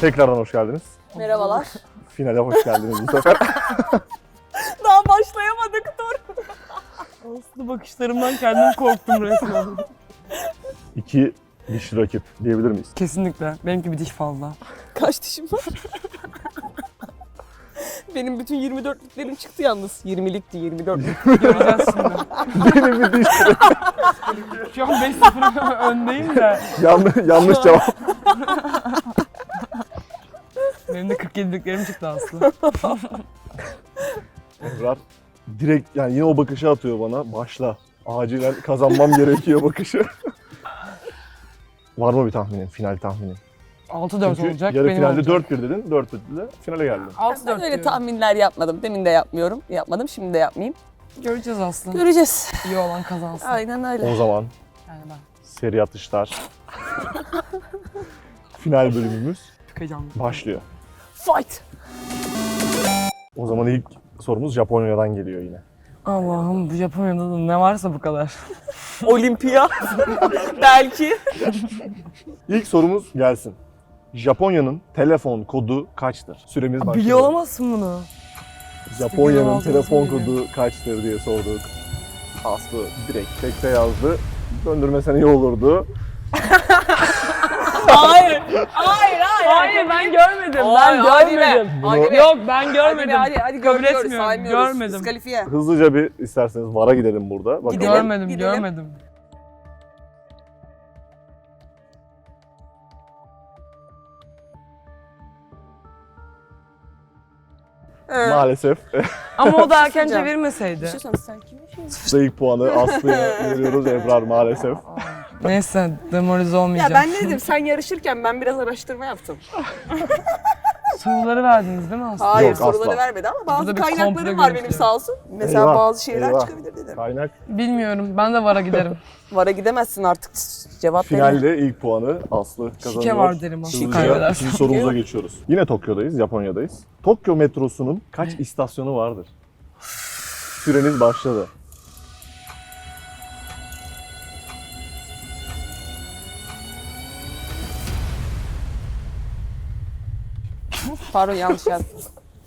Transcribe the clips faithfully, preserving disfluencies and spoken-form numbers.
Tekrardan hoş geldiniz. Merhabalar. Finale hoş geldiniz bu sefer. Daha başlayamadık, dur. Aslı bakışlarımdan kendim korktum resmen. İki dişli rakip diyebilir miyiz? Kesinlikle. Benimki bir diş fazla. Kaç dişim var? Benim bütün yirmi dörtlüklerim çıktı yalnız. yirmilikti, yirmi dörtlük. Göreceğiz şimdi. Benim bir diş. Şu an beş sıfır öndeyim de. yanlış, yanlış cevap. Benim de kırk yediliklerim çıktı Aslı. Ebrar direkt yani yine o bakışı atıyor bana. Başla. Acilen kazanmam gerekiyor bakışı. Var mı bir tahminin? Final tahminin? altı dört Çünkü olacak. yarı benim finalde olacak. dört bir dedin. dört birde finale geldin. altı Ben dört öyle diyorum. tahminler yapmadım. Demin de yapmıyorum. Yapmadım, şimdi de yapmayayım. Göreceğiz Aslı. Göreceğiz. İyi olan kazansın. Aynen öyle. O zaman Yani ben seri atışlar. Final bölümümüz çok heyecanlıyım. başlıyor. Fight. O zaman ilk sorumuz Japonya'dan geliyor yine. Allah'ım bu Japonya'da da ne varsa bu kadar. Olimpiya. Belki. İlk sorumuz gelsin. Japonya'nın telefon kodu kaçtır? Süremiz başlıyor. Biliyor olamazsın bunu. Japonya'nın Biliyor telefon olamazsın kodu kaçtır diye sorduk. Aslı direkt tekte yazdı. Döndürmesen iyi olurdu. Hayır. Hayır, hayır. Hayır ben görmedim. Hayır, ben hadi be. görmedim. Hadi be. Yok ben Hadi görmedim. be, hadi, hadi Kabul görmüyoruz, etmiyorum. saymıyoruz. Görmedim. Diskalifiye. Hızlıca bir isterseniz VAR'a gidelim burada. Bakalım. Gidelim. Görmedim, Gidelim. görmedim. Ee, Maalesef Ama o da erken Sıcak. çevirmeseydi. Bir şey söyleyeyim, sen kimin şeyin? size ilk puanı Aslı'ya veriyoruz. Ebrar maalesef. Neyse demoralize Ya olmayacağım. ben ne dedim, sen yarışırken ben biraz araştırma yaptım. Soruları verdiniz değil mi Aslı? Hayır, Yok, soruları asla. vermedi ama bazı Burada bir kaynaklarım komplo var benim görüntüleri. sağ olsun. Mesela Eyvah, bazı şeyler eyvah. çıkabilir dedim. Kaynak Bilmiyorum. Ben de VAR'a giderim. Vara gidemezsin artık, cevap verin. finalde ilk puanı Aslı kazanıyor. Şike var derim Aslı, Hızlıca kaybedersen. ikinci sorumuza geçiyoruz. Yine Tokyo'dayız, Japonya'dayız. Tokyo metrosunun kaç istasyonu vardır? Süreniz başladı. Pardon, yanlış yazdım.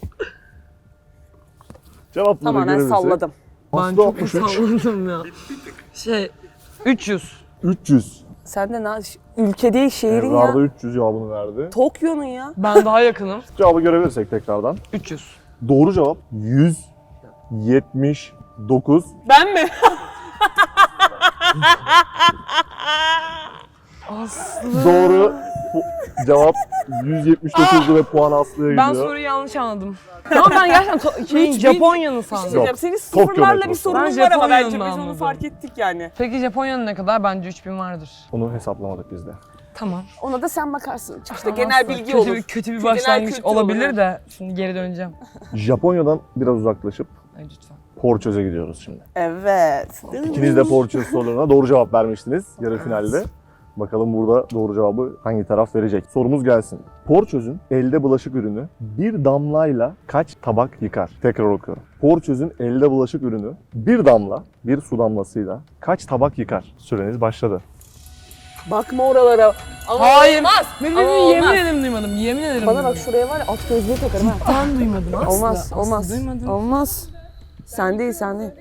Cevapları Tamamen görebilirsek. salladım. Ben Aslı çok altmış üç. salladım ya. Şey, üç yüz. üç yüz. Sen de ne? Ülke değil, şehrin Ebrar da ya. üç yüz cevabını verdi. Tokyo'nun ya. Ben daha yakınım. Cevabı görebilirsek tekrardan. üç yüz. Doğru cevap yüz yetmiş dokuz. Ben mi? Aslı. Doğru pu- cevap yüz yetmiş dokuzdu ve puan Aslı'ya Ben gidiyor. soruyu yanlış anladım. Ama ben gerçekten to- şeyin, Üç bin- Japonya'nın Bir şey sandım. söyleyeceğim. Senin Tokyo sıfırlarla bir metrosu. sorunun Ben var ama bence Japonya'nı biz onu anladım. fark ettik yani. Peki Japonya'nın ne kadar? Bence üç bin vardır. Onu hesaplamadık biz de. Tamam. Ona da sen bakarsın. İşte Tamam, genel Aslı. bilgi kötü olur. Bir, kötü bir Genel başlangıç kültür olabilir olur. de şimdi geri döneceğim. Japonya'dan biraz uzaklaşıp Ay lütfen. Porçöz'e gidiyoruz şimdi. Evet. İkiniz de Porçöz sorularına doğru cevap vermiştiniz yarı finalde. Bakalım burada doğru cevabı hangi taraf verecek? Sorumuz gelsin. Porçöz'ün elde bulaşık ürünü bir damlayla kaç tabak yıkar? Tekrar okuyorum. Porçöz'ün elde bulaşık ürünü bir damla, bir su damlasıyla kaç tabak yıkar? Süreniz başladı. Bakma oralara. Ama Hayır. olmaz. Ben Ama yemin olmaz. ederim duymadım. Yemin ederim Bana bak, duymadım. şuraya var ya, at gözlüğü takarım ha. Ben duymadım Aslı. Olmaz, Aslı olmaz. duymadım. Olmaz. Sen değil, sen değil.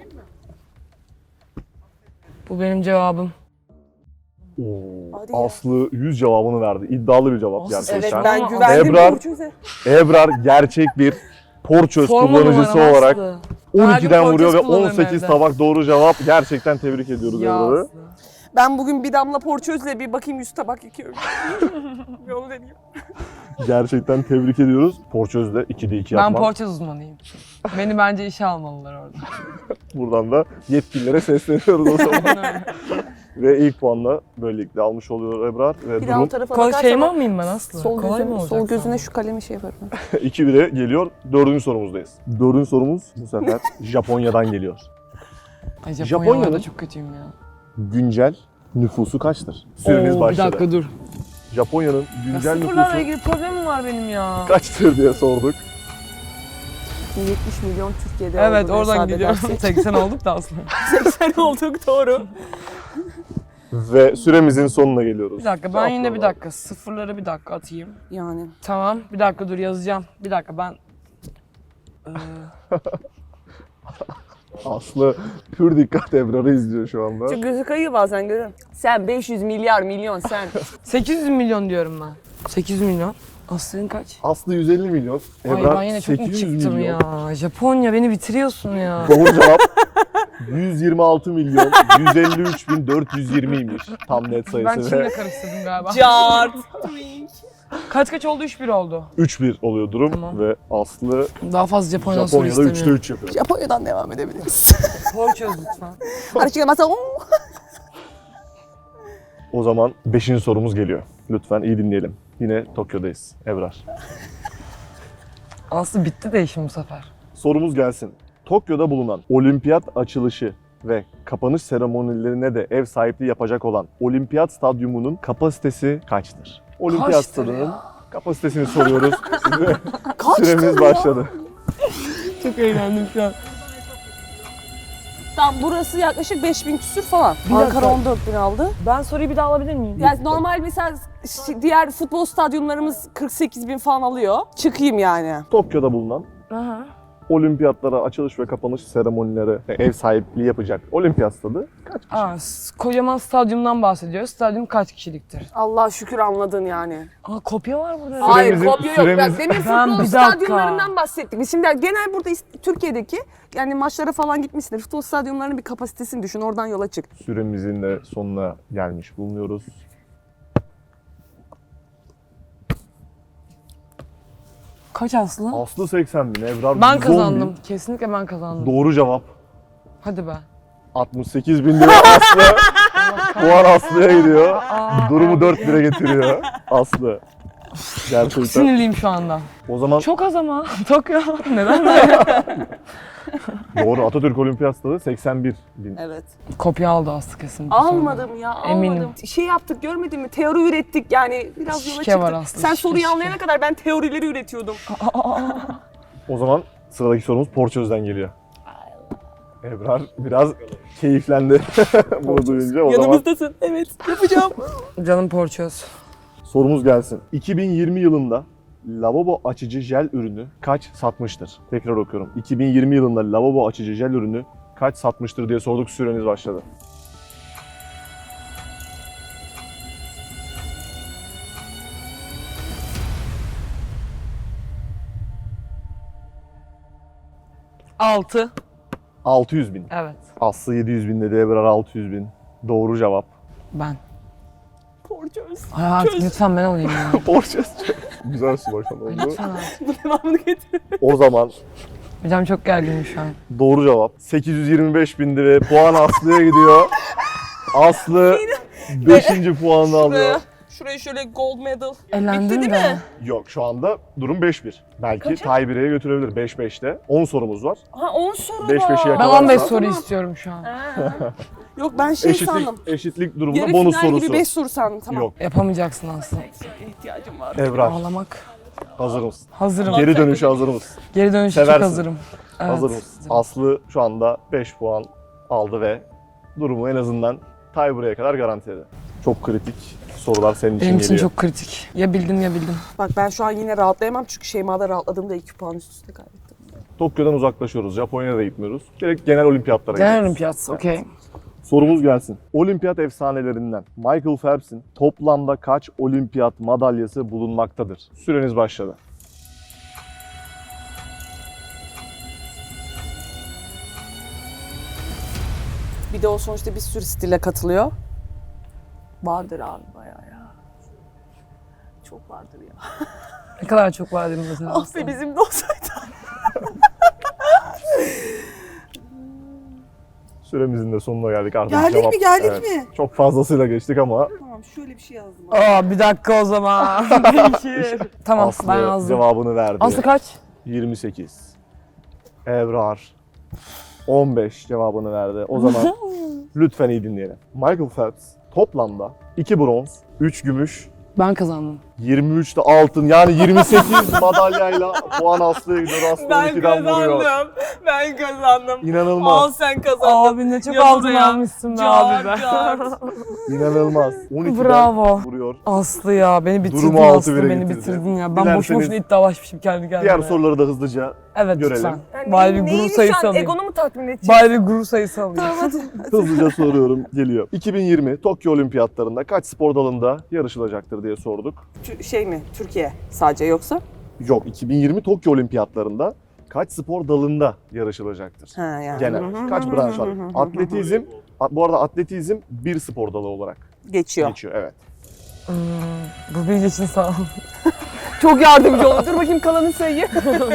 Bu benim cevabım. Oo, Hadi ya. Aslı yüz cevabını verdi. İddialı bir cevap Aslı, gerçekten. Evet, ben Ama güvendim Ebrar- Burcu'ya. Ebrar gerçek bir Porçöz Forma kullanıcısı numaram olarak Aslı. on Her ikiden gün vuruyor ve Porçöz kullanırım on sekiz evde. tabak doğru cevap. Gerçekten tebrik ediyoruz Ya Ebrar'ı. Aslı. Ben bugün bir damla porçözle bir bakayım yüz tabak yıkıyorum. Bir onu deneyeyim. Gerçekten tebrik ediyoruz. Porçöz'de ikide iki Ben yapmak. Porçöz uzmanıyım. Beni bence işe almalılar orada. Buradan da yetkililere sesleniyoruz o zaman. Aynen öyle. Ve ilk puanla böylelikle almış oluyor Ebrar. Ve Bir daha o durum tarafa Kolay şey mi bakarsan miyim ben Aslı? sol, Kolay mı gözüne, olacak sol gözüne sandın? şu kalemi şey yaparım. iki bire geliyor. Dördüncü sorumuzdayız. Dördüncü sorumuz bu sefer Japonya'dan geliyor. Ay Japonya'nın- Japonya'da çok kötüyüm ya. Güncel nüfusu kaçtır? Süreniz Oo, başladı. Bir dakika dur. Japonya'nın Ya güncel sıfırlarla nüfusu ilgili problemim var benim ya. kaçtır diye sorduk. yetmiş milyon Türkiye'de Evet olduğunu oradan hesap gidiyorum. edersek. seksen olduk da aslında. seksen olduk, doğru. Ve süremizin sonuna geliyoruz. Bir dakika ben yine bir dakika sıfırları bir dakika atayım. Yani. Tamam bir dakika dur yazacağım. Bir dakika ben... Ee, Aslı pür dikkat Ebrar'ı izliyor şu anda. Çok gözü kayıyor bazen görüyorum. Sen beş yüz milyar milyon sen. sekiz yüz milyon diyorum ben. sekiz yüz milyon. Aslı'nın kaç? Aslı yüz elli milyon. Ay Ebrar ben yine çok mu sekiz yüz çıktım milyon. ya? Japonya beni bitiriyorsun ya. Doğru cevap yüz yirmi altı milyon yüz elli üç bin dört yüz yirmiymiş tam net Ben sayısı Çin'le ve karıştırdım galiba. Cart. Kaç kaç oldu? üç bir oldu. üç bir oluyor durum Tamam. ve Aslı Daha fazla Japonya'dan soru Japonya'da üçte istemiyorum. üç yapıyor. Japonya'dan devam edebiliriz. Soru çöz lütfen. Hadi çıkamazsa O zaman beşinci sorumuz geliyor. Lütfen iyi dinleyelim. Yine Tokyo'dayız. Ebrar. Aslı bitti de işim bu sefer. Sorumuz gelsin. Tokyo'da bulunan olimpiyat açılışı ve kapanış seremonilerine de ev sahipliği yapacak olan olimpiyat stadyumunun kapasitesi kaçtır? Olimpiyat Kaçtır stadının ya? kapasitesini soruyoruz. Size Kaçtır süremiz ya? başladı. Çok eğlendim şu an. Tam burası yaklaşık beş bin küsür falan. Bir Ankara dakika. on dört bin aldı. Ben soruyu bir daha alabilir miyim? Yani normal mesela ş- diğer futbol stadyumlarımız kırk sekiz bin falan alıyor. Çıkayım yani. Tokyo'da bulunan Aha. olimpiyatlara açılış ve kapanış seremonileri ev sahipliği yapacak olimpiyat stadı kaç kişi? Aa, s- kocaman stadyumdan bahsediyoruz. Stadyum kaç kişiliktir? Allah şükür anladın yani. Aa kopya var burada. Süremizi- Hayır kopya yok. süremiz- Ya, demin Ben futbol bir dakika. stadyumlarından bahsettik. Biz şimdi genel burada İst- Türkiye'deki yani maçlara falan gitmişsindir. Futbol stadyumlarının bir kapasitesini düşün. Oradan yola çık. Süremizin de sonuna gelmiş bulunuyoruz. Kaç Aslı? Aslı seksen bin, Ebrar Ben yüz on bin. kazandım. Kesinlikle ben kazandım. Doğru cevap Hadi be. altmış sekiz bin lira Aslı. Puan Aslı'ya gidiyor. Durumu dört lira getiriyor Aslı. Gerçekten. Sinirliyim şu anda. O zaman Çok az ama. Tokyo. Neden böyle? doğru Atatürk Olimpiyat Stadı seksen bir bin. Evet. Kopya aldı Aslı kesin. Almadım ya almadım. Eminim. Şey yaptık görmedin mi? Teori ürettik yani biraz yola Şike çıktık. var aslında, Sen şike, soruyu şike. anlayana kadar ben teorileri üretiyordum. O zaman sıradaki sorumuz Porçöz'den geliyor. Ebrar biraz keyiflendi bunu duyunca. O zaman Yanımızdasın. Evet yapacağım. Canım porçöz. sorumuz gelsin. iki bin yirmi yılında lavabo açıcı jel ürünü kaç satmıştır? Tekrar okuyorum. iki bin yirmi yılında lavabo açıcı jel ürünü kaç satmıştır diye sorduk, süreniz başladı. altı. altı yüz bin. Evet. Aslı yedi yüz bin dedi, Ebrar altı yüz bin. Doğru cevap. Ben. Porçöz. Ay artık Çöz. lütfen ben olayım ya. Porçöz. Güzel su başkan oldu. Lütfen artık. Bu devamını getir. O zaman Hocam çok gerginim şu an. doğru cevap sekiz yüz yirmi beş bindi ve puan Aslı'ya gidiyor. Aslı beşinci puanını alıyor. Şuraya, şuraya şöyle gold medal. Elendim Bitti de. değil mi? Yok, şu anda durum beş bir. Belki Kaça? tie bir'e götürebilir beş beşte. on sorumuz var. Ha on soru Beş var. beşi Ben yakalarsa- on beş soru istiyorum şu an. Ha. Yok ben şey sandım. Eşitlik, eşitlik durumunda Yarı bonus final gibi sorusu. beş soru sandım. Tamam. Yok. Yapamayacaksın Aslı. İhtiyacım var. Ebrar, Ağlamak. hazır mısın? Hazırım. Geri dönüşe hazır mısın? Geri dönüşe çok Seversin. hazırım. Evet. Hazır mısın? Aslı şu anda beş puan aldı ve durumu en azından tie buraya kadar garantiledi. Çok kritik sorular senin için Benim için geliyor. çok kritik. Ya bildim ya bildim. Bak ben şu an yine rahatlayamam çünkü Şeyma'da rahatladığımda iki puan üst üste kaybettim. Tokyo'dan uzaklaşıyoruz. Japonya'da gitmiyoruz. Direkt genel olimpiyatlara Genel gidiyoruz. olimpiyat. Okey. Sorumuz gelsin. Olimpiyat efsanelerinden Michael Phelps'in toplamda kaç olimpiyat madalyası bulunmaktadır? Süreniz başladı. Bir de o sonuçta bir sürü stile katılıyor. Vardır abi bayağı ya. Çok vardır ya. Ne kadar çok var dedim mesela. Ah be bizim de olsaydı. Süremizin de sonuna geldik artık. Geldik cevap- mi, geldik Evet, mi? Çok fazlasıyla geçtik ama Tamam şöyle bir şey yazdım. Aa bir dakika o zaman. Değişir. Tamam Aslı ben yazdım. cevabını verdi. Aslı kaç? yirmi sekiz. Ebrar on beş cevabını verdi. O zaman lütfen iyi dinleyelim. Michael Phelps toplamda iki bronz, üç gümüş, Ben kazandım. yirmi üçte altın yani yirmi sekiz madalyayla puan Aslı'ya gidiyor. Aslı on ikiden vuruyor. Ben kazandım. İnanılmaz. sen kazandın. Abi ne çok Yanında altın ya. almışsın be abi be. İnanılmaz. on ikiden Bravo. vuruyor. Aslı ya beni bitirdin Durumu altı Aslı bire beni getirdi. bitirdin ya. Ben boş Dilerseniz boşuna iddialaşmışım kendi kendime. Diğer soruları da hızlıca Evet görelim. lütfen. Yani Bari bir neyini gurur şu sayısı an alayım. egonu mu tatmin edecek? Bari bir gurur sayısı alayım. hızlıca soruyorum. Geliyor. iki bin yirmi Tokyo Olimpiyatlarında kaç spor dalında yarışılacaktır diye sorduk. Tü- Şey mi? Türkiye sadece yoksa? Yok, iki bin yirmi Tokyo Olimpiyatlarında kaç spor dalında yarışılacaktır? Ha yani. Genel. Kaç branş var? Atletizm, a- bu arada atletizm bir spor dalı olarak Geçiyor. geçiyor. Evet. Hmm, bu bilgi için sağ ol. Çok yardımcı oldu. Dur bakayım kalanı sayayım.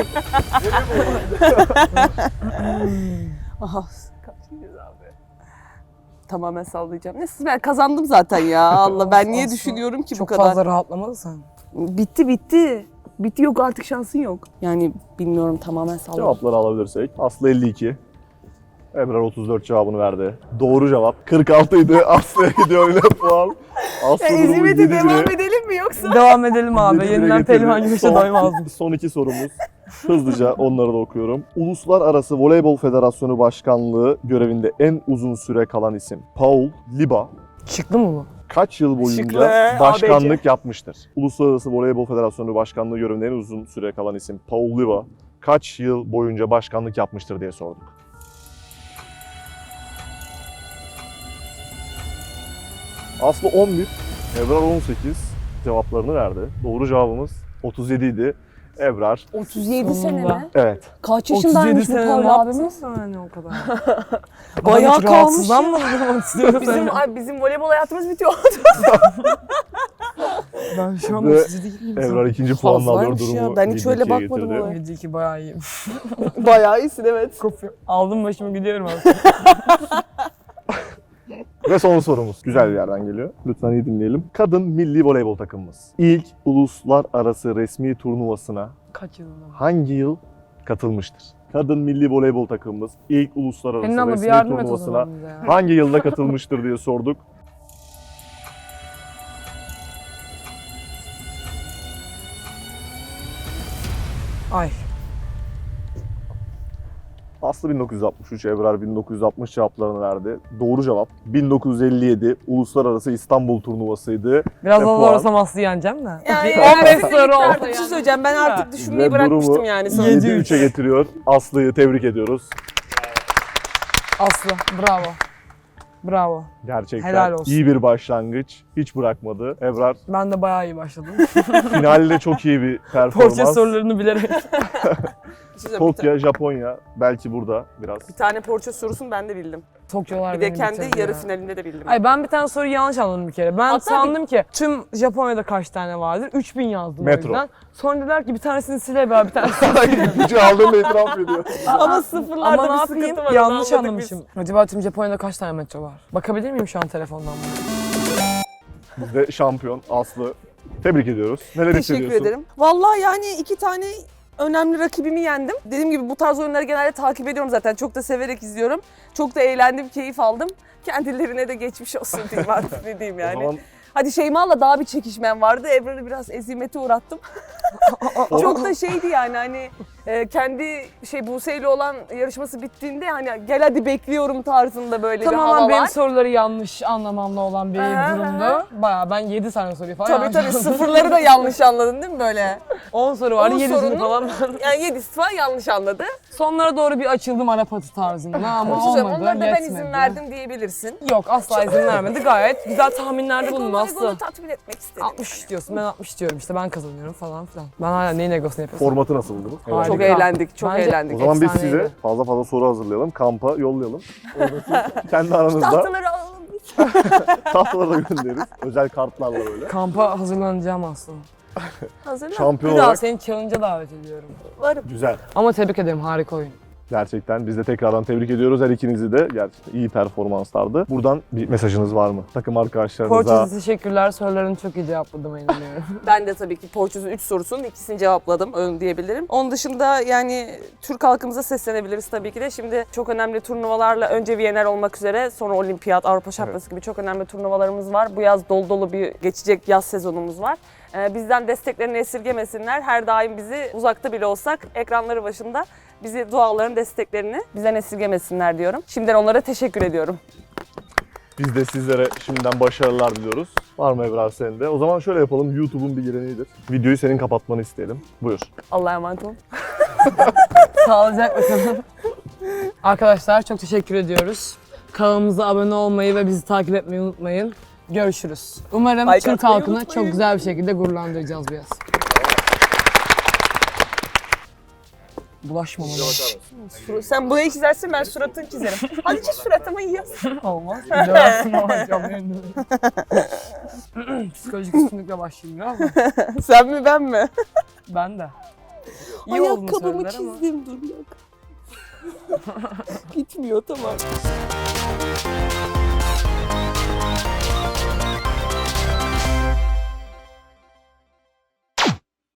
Aha. Kaçıncıyız abi? Tamamen sallayacağım. Neyse ben kazandım zaten ya. Allah ben niye Aslı. düşünüyorum ki bu Çok kadar? fazla rahatlamadın sen. Bitti bitti. Bitti yok artık şansın yok. Yani bilmiyorum tamamen salladım. Cevapları alabilirsek. Aslı elli iki. Ebrar otuz dört cevabını verdi. Doğru cevap kırk altı idi. Aslı'ya gidiyor öyle puan. Aslı Ya durumu ezimete yedi devam bire- edelim mi yoksa? Devam edelim abi. yedi bire Yeniden getirdi. pehlivan güreşe Son- doymazdım. Son iki sorumuz. Hızlıca onları da okuyorum. Uluslararası Voleybol Federasyonu Başkanlığı görevinde en uzun süre kalan isim Paul Liba Çıktı mı bu? kaç yıl boyunca Şıklı, başkanlık A B C. yapmıştır? Uluslararası Voleybol Federasyonu Başkanlığı görevinde en uzun süre kalan isim Paul Liba kaç yıl boyunca başkanlık yapmıştır diye sorduk. Aslı on bir, Ebrar on sekiz cevaplarını verdi. Doğru cevabımız otuz yedi idi. Ebrar, otuz yedi sene Sonunda. mi? evet. Kaç otuz yedi yaşındaymış bu sene Paul ne yaptın abimiz? sen hani o kadar? Bayağı Adam hiç kalmış rahatsızlanmadı mı istiyorum Bizim seni. ay, bizim voleybol hayatımız bitiyor. Ben şu an Ve otuz yedi değilim. Ebrar ikinci puanla alıyor Fazlaymış ya, durumu. ben hiç öyle yedi ikiye bakmadım getirdi. olaya. yedi iki bayağı iyiyim. Bayağı iyisin evet. Kopuyor. Aldım başımı gidiyorum abi. Ve son sorumuz. Güzel bir yerden geliyor. Lütfen iyi dinleyelim. Kadın milli voleybol takımımız ilk uluslararası resmi turnuvasına Kaç yılında? hangi yıl katılmıştır? Kadın milli voleybol takımımız ilk uluslararası Senin abla bir resmi yardım et o turnuvasına zaman bize ya. hangi yılda katılmıştır diye sorduk. Ay. Aslı bin dokuz yüz altmış üç, Ebrar bin dokuz yüz altmış cevaplarını verdi. Doğru cevap bin dokuz yüz elli yedi Uluslararası İstanbul Turnuvası'ydı. Biraz Ve daha puan. olsam Aslı yeneceğim de. Yani on beş yani soru olsa artık bir şey yani. söyleyeceğim. Ben artık Ve düşünmeyi Ve bırakmıştım durumu yani sana. yedi üçe getiriyor. Aslı'yı tebrik ediyoruz. Aslı bravo. Bravo. Gerçekten Helal olsun. iyi bir başlangıç. Hiç bırakmadı. Ebrar Ben de bayağı iyi başladım. finalde çok iyi bir Porçe performans. sorularını bilerek. Bir şey söyleyeyim, bir, ta- Tokyo, Japonya belki burada biraz. bir tane porça sorusunu ben de bildim. Tokyolar Bir de beni kendi bitirdi yarı ya. finalinde de bildim. Ay ben bir tane soruyu yanlış anladım bir kere. Ben Hatta sandım ki tüm Japonya'da kaç tane vardır? üç bin yazdım Metro. o yüzden. Sonra dediler ki bir tanesini sil Ebrar, bir tanesini Gücü aldığında itiraf ediyor. Ama sıfırlarda Ama ne bir yapayım? sıkıntı var. Yanlış onu anladık anlamışım. Acaba tüm Japonya'da kaç tane metro var? Bakabilir miyim şu an telefondan buna? Biz de şampiyon Aslı. Tebrik ediyoruz. Neler Teşekkür hissediyorsun? ederim. Vallahi yani iki tane önemli rakibimi yendim. Dediğim gibi bu tarz oyunları genelde takip ediyorum zaten. Çok da severek izliyorum. Çok da eğlendim, keyif aldım. Kendilerine de geçmiş olsun diyeyim artık ne diyeyim O yani. zaman Hadi Şeyma'la daha bir çekişmem vardı. Ebrar'ı biraz ezimete uğrattım. Çok da şeydi yani hani e, kendi şey Buse'yle olan yarışması bittiğinde hani gel hadi bekliyorum tarzında böyle bir hava Tamamen benim var. soruları yanlış anlamamla olan bir Aha, durumdu. Bayağı ben yedi tane soruyu falan Tabii yanlış tabii anladım. sıfırları da yanlış anladın değil mi böyle? on soru vardı, On yedisini sorunun- falan. Yani yedisi falan yanlış anladı. Sonlara doğru bir açıldım Arap atı tarzında ama Bir şey söyleyeyim, olmadı, onlara da ben yetmedi. izin verdim diyebilirsin. Yok asla izin vermedi. Gayet güzel tahminlerde bulundum Egonu, Aslı. egonu tatmin etmek istedim. altmış diyorsun, ben altmış diyorum işte, ben kazanıyorum falan filan. Ben hala neyin egosunu yapıyorsun? formatı nasıl buldunuz? Harika. Çok eğlendik, çok Bence- eğlendik. O zaman biz Efsaneydi. size fazla fazla soru hazırlayalım. Kampa yollayalım. Orada siz kendi aranızda Tahtaları alalım. tahtaları da göndeririz. Özel kartlarla böyle. Kampa hazırlanacağım aslında. Hazırlan. Şampiyon Bir daha olarak seni challenge'a davet ediyorum. Varım. güzel. Ama tebrik ederim, harika oyun. Gerçekten biz de tekrardan tebrik ediyoruz her ikinizi de. Gerçekten iyi performanslardı. Buradan bir mesajınız var mı? Takım arkadaşlarınıza. Porçöz'e teşekkürler. Sorularını çok iyi cevapladım inanıyorum. Ben de tabii ki Porçöz'ün üç sorusunun ikisini cevapladım ön diyebilirim. Onun dışında yani Türk halkımıza seslenebiliriz tabii ki de. Şimdi çok önemli turnuvalarla önce Viyener olmak üzere sonra Olimpiyat, Avrupa Şampiyonası gibi çok önemli turnuvalarımız var. Bu yaz dolu dolu bir geçecek yaz sezonumuz var. Ee, bizden desteklerini esirgemesinler. Her daim bizi uzakta bile olsak ekranları başında bizi duaların desteklerini bizden esirgemesinler diyorum. Şimdiden onlara teşekkür ediyorum. Biz de sizlere şimdiden başarılar diliyoruz. Var mı Ebrar senin de? O zaman şöyle yapalım. YouTube'un bir geleneğidir. Videoyu senin kapatmanı isteyelim. Buyur. Allah'a emanet olun. Sağlıcakla kalın. Arkadaşlar çok teşekkür ediyoruz. Kanalımıza abone olmayı ve bizi takip etmeyi unutmayın. Görüşürüz. Umarım Like Türk atmayı halkını unutmayın. çok güzel bir şekilde gururlandıracağız bu yaz. Bulaşma bana. Sen burayı çizersin, ben suratını çizerim. Hadi çiz suratımı yaz. Olmaz. Döversin ama canlı yayında. Psikolojik üstünlükle başlayayım ama Sen mi ben mi? ben de. İyi olduğunu Ayakkabımı söylediler ama. çizdim, dur yok. Gitmiyor, tamam.